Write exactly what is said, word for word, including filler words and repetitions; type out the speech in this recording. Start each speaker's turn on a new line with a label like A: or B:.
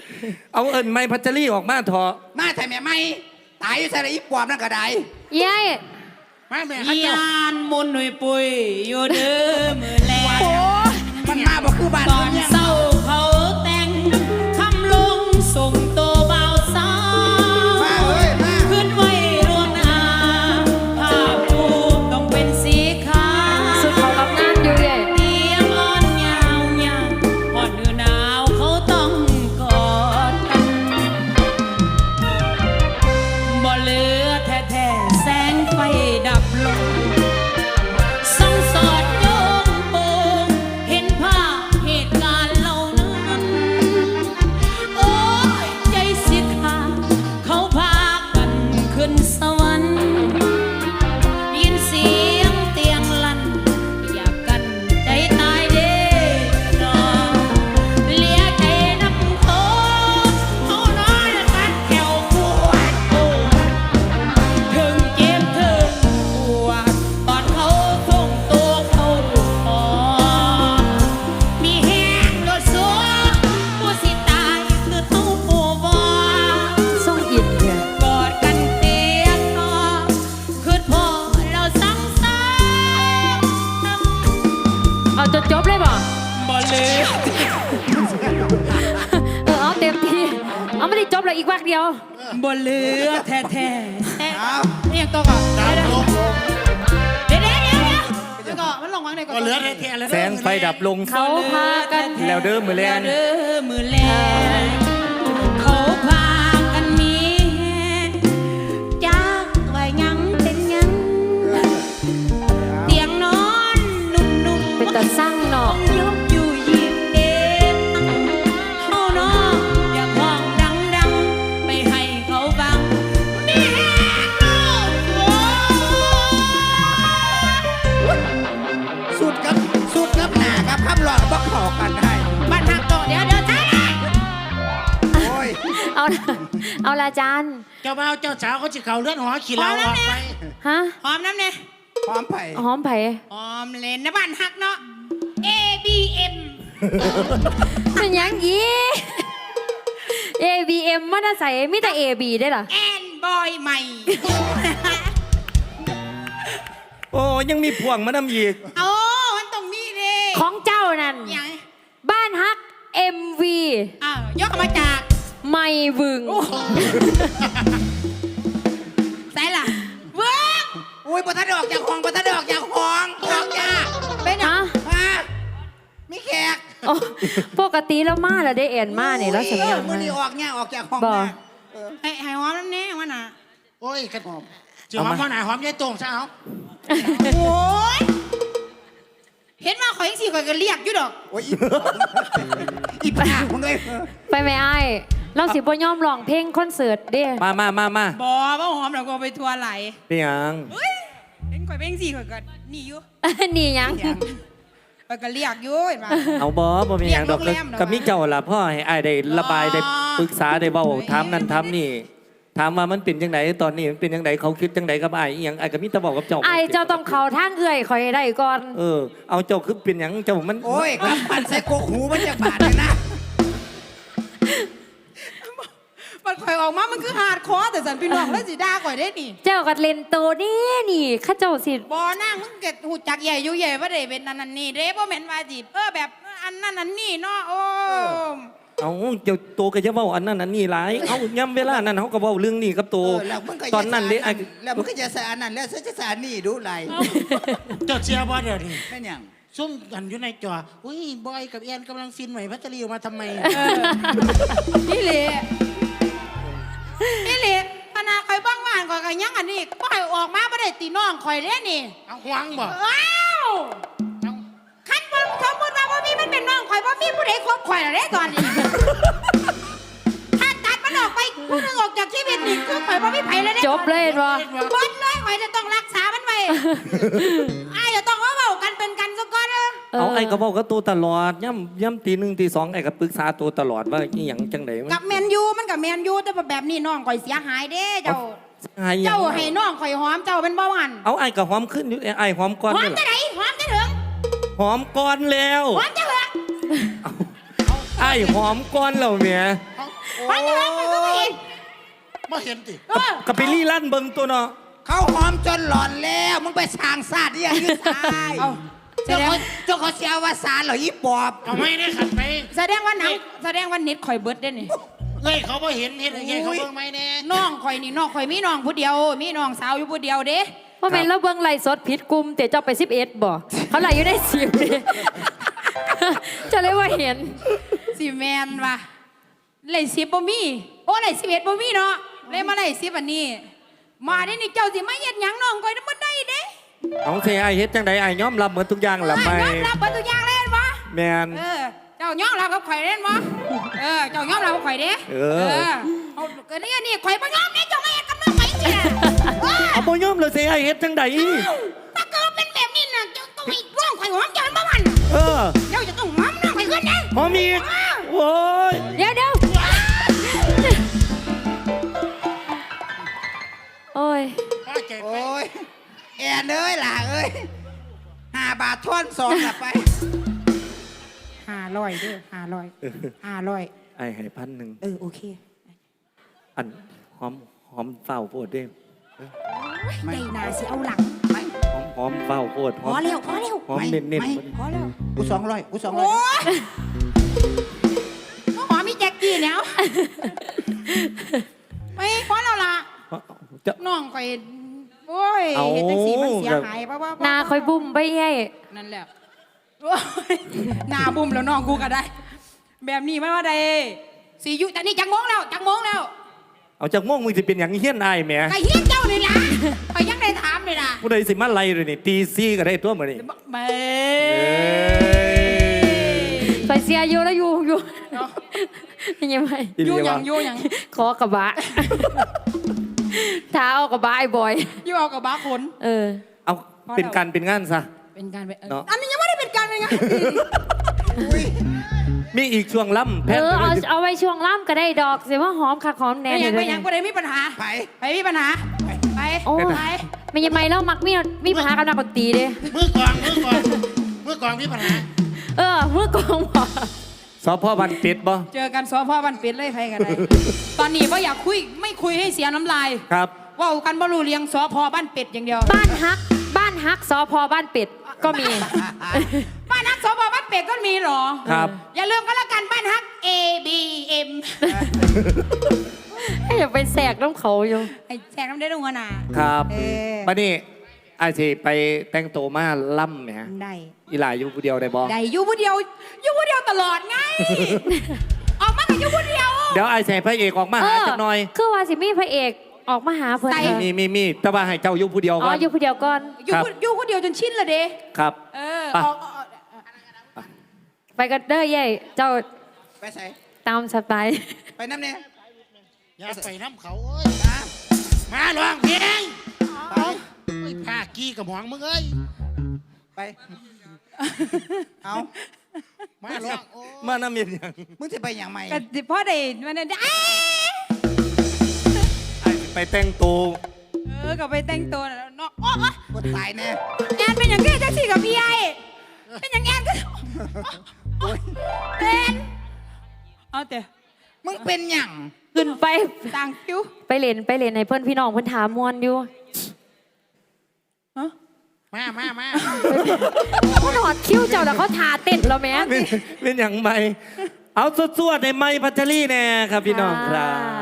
A: เอาเอิญไม้พัชรีออกมาเถอะ
B: มาแต่แม่ไม่ตายอยู่ใส่อีปอบนั่นก็ได้
C: ยาย
B: มาแม่
D: ยานมนหนุ่ยปุยอยู่เด้อมือแลง
B: มันมาบอกคือบ้าน
D: ตอนเศร้าเขาแต่งคำลงส่งตัวเบาสา
B: มาเฮ้ยมา
D: ขึ้นไว้รวงหน้าผ้าปูต้องเป็นสีขาว
C: สุดเขารับงานอยู่ยาย
D: เตียงอ่อนยาวยาวอ่อนหนาวเขาต้องกอดกันบ่เหลือแท้ๆแสงไฟดับลงส่องสอดโยงโปงเห็นภาพเหตุการณ์เหล่านั้นโอ้ยใจสิขาดเขาพากันขึ้นสวรรค์ยินเสียงเตียงลั่นอยากกันใจตายเด้นอเลียใจน้ำโคเขาน้อยกัดแขวปวดโอ้ถึงเจ็บถึงปวดตอนเขาส่งตัวเขาหอมีแห้งรถสัวผู้สิตายคือเท่าผู้บ่
C: ส่งอินเนี่ย
D: กอดกันเตียงนอนคือพอเราสังสรรค์
C: เอาจนจบเลยบ่
D: บ่เหลือ
C: เออเอาเต็มที่เอาไม่ได้จบเลยอีกวักเดียว
D: บ่เหลือแท้ๆ
B: เอา
D: นี่ยังตัวก่อนเดี๋ยวเดี๋ยวเดี๋ยวเดี๋ยวเดี๋ยวเดี๋ยวก่อนมันลงวางไหนก่อน
B: ก็เหลือแท้ๆเลย
A: แสงไฟดับลง
C: เขาพากัน
A: แล้วเด้อมือแลง
D: เด้อมือแลงเขาพากันหนีจากไว้ยังเป็นยังเตียงนอนนุ่มๆ
C: เป็นตาสร้างเนาะ
D: ยกอยู่ยิบเองเฮาน้องอยากห้องดังๆไปให้เขาฟังมีแห้งโลกโอ้
B: สุดกับสุดกับหน้ากับคำหลอกบอกขอกันได้
D: บ้านหักโตเดี๋ยวเดี๋ยวท้ายเลย
B: โอ้ย
C: เอาละเอาละอาจารย์
E: เจ้าบ่าวเจ้าสาวเขาจะเขาเลื่อนหัวขี่เราออกไป
C: ฮะ
D: หอมน้ำเนี่ย
B: พร้อมไผ่
C: หอมไผ่
D: หอมเลนนะบ้านหักเนาะ A B M
C: เป็นหยังยี เอ บี เอ็ม มันใส่มีแต่ เอ บี ได้เหรอ
D: แอนบอยใหม่
A: โอ้ยังมีพ่วงมานำอีก
D: โอ้มันต้องมีดิ
C: ของเจ้านั่น
D: ยัง
C: บ้านฮัก เอ็ม วี
D: อ้าวยกมาจาก
C: ไม่วึง
D: ใส่ล่ะเวิร์ก
B: อุ้ยปะทะดอกจากห้องปะทะดอกจากห้องออกยา
D: เป็นอ่ะ
C: ฮะ
B: มามีแขก
C: โอ้ปกติแล้วมาแล้วได้เอ็นมาเนี่ยแล้วสำยัง
B: มือ
C: มา
B: นี่ออกเนี่ยออกจากห้อง
C: บ่
B: เนี่ย
D: ให้ให้หอมน้ำเนี่ยมันน่ะ
E: โอ้ยกระหอมจะหอมว่าไหนหอมยายตรงซะเอา
D: โอ้ยเห็นว่าข่อยยังสี่ข่อยก็เรียกอยู่ดอก
B: โอ้ยอีอีปากมึงเลย
C: ไปไหมไอ้ายเราสิบ่ยอมร้องเพลงคอนเสิร์ตเด้
A: มามามามา
D: บอว่าหอมเราก็ไปทัวร์ไหล
A: เป็นหยัง
D: เฮ้ยเป็นข่อยเป็นสี่ข่อยก็หนีอยู่
C: นี่หยัง
D: ข่อยก็เรียกอยู่เห็นป่ะ
A: เอาบ่บ่เป็นหยังดอก
D: เรียกโรงแรมเหรอ
A: ก็มีเจ้าล่ะพ่อให้อ้ายได้ระบาย
D: อ๋อ
A: ได้ปรึกษาได้เว้า
D: โอ้ย
A: ถามนั่นถามนี่ถามว่ามันเป็นจังไดตอนนี้มันเป็นจังไดเขาคิดจังไดกับอ้ายอีหยังอ้ายก็มีแต่เว้ากับเจ้า
C: ไอ้ายเจ้าต้องเข้าทางเอื้อยคอยให้ได้ก่อน
A: เออเอาเจ้าคือเป็นหยังเจ้ามัน
B: โอ้ยกับพันใส่กกหูมันจะบาดเลยนะ
D: มันข่อยออกมามันคือหาดคอแต่สันพี่น้องแล้วสิด่าข่อยได้นี่
C: เจ้าก็เล่นโตนี่นี่ข้าเจ้าสิ
D: บอนั่งมึงเก็ดหูจักใหญ่อยู่ใหญ่ว่าได้เป็นนั่นนั่นนี่เด้บ่แม่นว่าจีบเออแบบอันนั้นอันนี้เนาะโอ้
A: เอาเจ้าโตก็จะเว้าอันนั้นอันนี้หลายเอาย่ำเวลานั้นเขาก็เว้าเรื่องนี้กับโต
B: เออแล้วมึงก็
A: ตอนนั้นเด้อ้าย
B: แล้วมึงก็จะสารนั่นแล้วจะสารนี่ดูไร
E: เจ้าเชียร์บ่เดี๋ยวนี้
B: แม่นยัง
E: ซุ่มกันอยู่ในจออุ้ยบอยกับแอนกำลังฟินใหม่พัชรีออกมาทำไม
D: นี่เละนี่เละขนาดข่อยบ้างว่านข่อยก็ยังอันนี้ก็ข่อยออกมาบ่ได้ตีน้องข่อยเด้นี่
E: เอาหวังบ่
D: ว้าวคันบ่สมมุติว่าบ่มีมันเป็นน้องข่อยบ่มีผู้ใดคบข่อยแล้วเด้ตอนนี้ ถ้าตัดมันออกไปผู้หนึงออกจากชีวิตนี่คือข่อยบ่มีไผแล้วเด้
C: จบเลยบ่
D: บดเลยข่อยจะต้องรักษามันไว้อ้ายจะต้องเอาเว้ากันเป็นกันซะก่อนเด้อ
A: เอาไอ้ก็เว้ากับโตตลอดย่ำย่ำตีหนึ่งตีสองไอ้ก็ปรึกษาโตตลอดว่าอีหยังจังไดมัน
D: กับแมนยูมันกับแมนยูแต่แบบนี้น้องข่อยเสียหายเด้เจ้า
A: หายหยัง
D: เจ้าให้น้องข่อยหอมเจ้าเป็นเบาหวาน
A: เอาไอ้ก็หอมขึ้นอยู่ไอ้หอมก่อน
D: หอม
A: นี่
D: จะ
A: ล่ะ
D: ไหนหอมจะถึง
A: หอมก่อนแล้ว
D: หอมจะเหรอ
A: ไอ้หอมก้อนเราเมีย
E: ไปเลยไปก็ไม่เห็นไม่เห็นติ
A: กับไปรี่ลั่นเบิงตัวเนาะ
B: เขาหอมจนหลอนแล้วมึงไปสร้างศาสตร์ยังยืดตาย
E: เอาแส
B: เจ้า
E: ดง
B: เขาเจ้าเขาเสียว่าสารเหรออีปอบ
E: เอาไม่ได้ขัดไป
D: แสดงว่าหนังแสดงว่าเน็ตข่อยเบิดได้นี่
E: เอ้ยเขาไม่เห็นเห็นเห็นเขาเบิ่งไหมแน่
D: น้องข่อยนี่น้องข่อยมีน้องผู้เดียว มีน้องสาวอยู่ผู้เดียวเด้
C: ว่าแม่นเราเบิ่งไล่สดผิดกลุ่มแต่เจ้าไปสิบเอ็ดบ่เขาไล่อยู่ได้สิบดิจะเลยว่าเห็น
D: สิแมนว่ะเลยสิบบ่มีโอ้เลยสิบเอ็ดบ่มีเนาะเลยมาเลยสิบอันนี้ มาได้นี่เจ้าสิมาเฮ็ดหยังน้องข่อยนำบ่ได้เด้
A: เอาเสียไอ้เฮ็ดจังใดไอ้ยอมรับเหมือนทุกอย่างละไป
D: ยอมรับเบิดทุกอย่างเล่นบ่
A: แมน
D: เออเจ้ายอมรับกับข่อยเล่นบ่เออเจ้ายอมรับกับข่อยเด้
A: เออ
D: เอาเกิดนี่นี่ข่อยบ่ยอมเด้เจ้ามาเฮ็ดกับน้องข่อยจังซี่น่ะเออ
A: เอาบ่ยอมเลยเสียไอ้เฮ็ดจังใด
D: ถ้าเกิดเป็นแบบนี้น่ะเจ้าต้องให้ร่องข่อยหอมเจ้าบ่มัน
A: เออ
D: เจ้าจะต้องหอมน้องข่อยขึ้นนะ
A: หอมอีกโอ้ย
C: เดี๋ยวเดี๋ยวโอ้ย
E: ป้าเจ็บไป
B: โอ้ยแอนเอ้ยล่ะเอ้ยห้าบาททอนสองกลับไป
D: ห้าร้อยเด้อห้าร้อยห้าร้อย
A: ไอ้ให้พันหนึ่ง
D: เออโอเค
A: อันหอมหอมเฝ้าโพดเด้
D: ใจนาสิเอาหลัง
B: ไม่
A: หอมหอมเฝ้าโพดห
D: พ
A: อ
D: อ
A: ม
D: เร็วพอเร็ว
A: หอมเน้นเน้น
B: ไม่
D: พอเร็ว
B: กูสองร้อยกูสองร้อ
D: โอ้
B: ย
D: ยหอมมีแจ็คกี้แล้วไม่พอแล้วล่ะ
A: จะ
D: น้องข่อยโอ้ย
A: เอา
D: เห็นจังสีมันเสียหายป่ะว่า
C: หนาคอยบุ่มไปให้
D: นั่นแหละโอ้ยหน้าบุ้มแล้วน้องกูก็ได้ แบบนี้ไม่ว่าใดสีอยู่แต่นี่จังโมงแล้วจังโมงแล้ว
A: เอาจากม่วงมึงสิเป็นอย่างเฮี้ยนไอ้แหม
D: ไก่เฮี้ยนเจ้าเลยล่ะไปยังได้ถามเลยล่ะ
A: ผู้ใดสิมาไล่เลยนี่ตีซี่ก็ได้ตัวเหมือนนี่
D: เบ้
A: เอ้ย
C: ไปเสียอยู่แล้วอยู่อยู่ยังไง
A: อีหลี
D: ยู่หยั
A: วะ
D: งยู่หยัง
C: ขอกระบะเท้าเอากระบะไอ้บอย
D: ยู่เอากับบ้าคน
C: เออ
A: เอาเป็นการเป็นงานซะ
D: เป็นการเป็นเออ
A: เนาะ
D: อันนี้ยังไม่ได้เป็นการเป็นงาน
A: มีอีกช่วงล่ำแพ
C: เอ
A: ทย์
C: อ
A: ก็
C: เอา
A: ได้
C: เอาไว้ช่วงล่ำก็ได้ดอกเสียว่าหอมคักหอมแน่
D: ไม่ยัง
C: เล
D: ไม่
C: ย
D: ยังก็ได้มีปัญหา
B: ไป
D: ไปมีปัญหาไปไป
C: โอ้
D: ไป
C: ไม่ยังไม่แล้วมักมีมีปัญหากับนักดนตรีเด้
E: มือกองมือกองมือกองมีปัญหา
C: เออเมื่อกองบอก
A: สพบันเป็ดบ่
D: เจอกันสพบันเป็ดเลยใครกันได้ ตอนนี้ว่าอยากคุยไม่คุยให้เสียน้ำลาย
A: ครับ
D: ว่ากันบ่รู้เรียงสพบ้านเป็ดอย่างเดียว
C: บ้านฮัก บ้านฮักสพบ้านเป็ดก็มี
D: บ้านฮักสพบ้านเป็ดก็มีเหรอ
A: ครับ
D: อย่าลืมก็แล้วกันบ้านฮัก A B M
C: ให้อย่าไปแสกน้ำเขาอยู่
D: ไอ้แซงน้ำได้ดูงนา
A: ครับ
D: เออ
A: บัดนี้ไอ้สิไปแต่งตัวมาล่ำแหม
D: ได้
A: อีหลายอยู่ผู้เดียวได้บ่
D: ได้อยู่ผู้เดียวอยู่ผู้เดียวตลอดไง ออกมากับอยู่ผู้เดียว
A: เดี๋ยวไอ้ใส่พระเอกออกมา
C: เอ
A: หา
C: อ
A: จักหน่อย
C: คือว่าสิมีพระเอกออกมาหาเพิ่น
D: ใส่
C: เออ
A: มีมีมีแต่ว่าให้เจ้าอยู่ผู้เดียว
C: อ๋
A: ก่
C: อ
A: อน
C: อยู่ผู้เดียวก่อน
D: อยู่
A: ครับ
D: ผู้อยู่ผู้เดียวจนชินเลยเด้
A: ครับ
D: เออ
A: ไป
D: ออกออกออก
C: ไปกันเด้อเย่เจ้า
B: ไปใส่
C: ตามสบาย
B: ไปน้ำเนี่ย
E: อย่าไปน้ำเขาเอ้ยมาลองเพลงไปเอ้ยผ้ากี้กับหวงมึงเอ้ย
B: ไปเอา
E: มาลองโอ้
A: มาน้ำเย็นยัง
B: มึงจะไปอย่างไร
D: กันสิพ่อได้มันได้เอ๊ะ
A: ไอ้สิไปแต่งตัว
D: เออก็ไปแต่งตัวน่ะเนาะอ๋ออ๋อ
B: กดตายแน่
D: แอนเป็นอย่างนี้แท็กซี่กับพี่ไอเป็นอย่างแอนก็
B: โอ้ย
D: เป็นเอาแต่
B: มึงเป็นหยัง
C: ขึ้นไป
D: ต่างคิว
C: ไปเล่นไปเล่นในเพื่อนพี่น้องเพื่อนถามมวนอยู่
D: ฮะ
E: มามามา
C: เขาหอดคิ้วเจ้าแล้วเขาทาเต้นแล้วแม่
A: เป็นเป็นอย่างไรเอาสวดๆในไม้พัชรีแน่ครับพี่น้องครับ